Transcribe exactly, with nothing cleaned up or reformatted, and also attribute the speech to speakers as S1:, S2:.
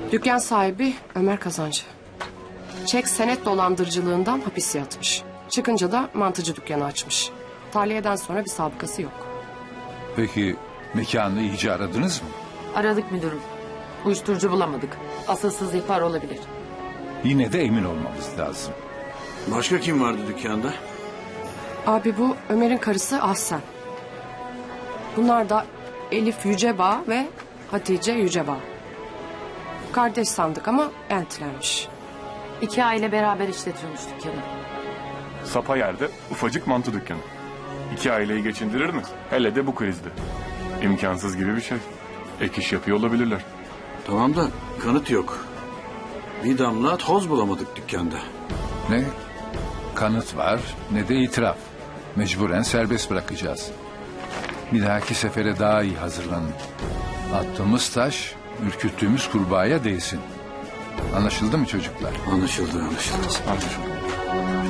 S1: Dükkan sahibi Ömer Kazancı. Çek senet dolandırıcılığından hapis yatmış. Çıkınca da mantıcı dükkanı açmış. Tahliyeden sonra bir sabıkası yok.
S2: Peki mekanı iyice aradınız mı?
S3: Aradık müdürüm. Uyuşturucu bulamadık. Asılsız ihbar olabilir.
S2: Yine de emin olmamız lazım.
S4: Başka kim vardı dükkanda?
S1: Abi bu Ömer'in karısı Ahsen. Bunlar da Elif Yücebağ ve Hatice Yücebağ. Kardeş sandık ama eltilermiş.
S3: İki aile beraber işletiyormuş dükkanı.
S5: Sapa yerde ufacık mantı dükkanı. İki aileyi geçindirir mi? Hele de bu krizde. İmkansız gibi bir şey. Ek iş yapıyor olabilirler.
S4: Tamam da kanıt yok. Bir damla toz bulamadık dükkanda.
S2: Ne kanıt var ne de itiraf. Mecburen serbest bırakacağız. Bir dahaki sefere daha iyi hazırlanın. Attığımız taş ürküttüğümüz kurbağaya değsin. Anlaşıldı mı çocuklar?
S4: Anlaşıldı, anlaşıldı.
S5: Anlaşıldı.